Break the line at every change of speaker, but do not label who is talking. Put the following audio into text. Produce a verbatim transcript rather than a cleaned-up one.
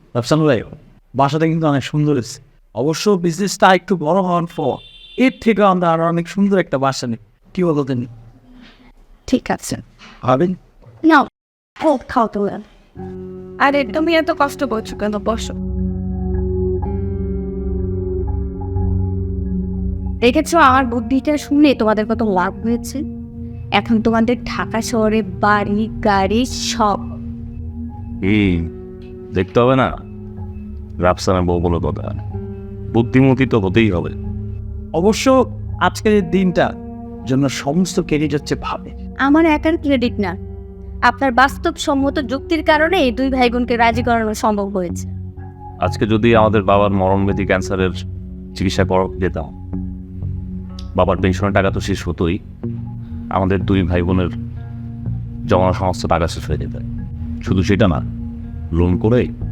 রাফসান ভাই, বাসাটা কিন্তু অনেক সুন্দর হয়েছে। অবশ্য বিজনেসটা একটু বড় হওয়ার পর এর থেকে আমরা আরো অনেক সুন্দর একটা বাসা নিই, কি বলো তিনি?
ঠিক আছে,
ভাবেন।
নাও খাও খাও তোমরা।
আরে তুমি এত কষ্ট করছো কেন? বসো।
দেখেছো আমার বুদ্ধিটা শুনে তোমাদের কত লাভ হয়েছে। এখন তোমাদের ঢাকা শহরে বাড়ি গাড়ি সব।
হুম, দেখতে হবে না রাফসানের বউ বলে কথা, বুদ্ধিমতী তো হতেই হবে।
অবশ্য আজকের এই দিনটা জন্য সমস্ত ক্রেডিট হচ্ছে ভাবে।
আমার একার ক্রেডিট না, আপনার বাস্তবসম্মত যুক্তির কারণে এই দুই ভাই বোনকে রাজি করানো সম্ভব হয়েছে।
আজকে যদি আমাদের বাবার মরণব্যাধি ক্যান্সারের চিকিৎসা করা যেতাম, বাবার পেনশনের টাকা তো শেষ হতোই, আমাদের দুই ভাই বোনের জমানো সমস্ত টাকা শেষ হয়ে যেত। শুধু সেটা না, লোন করে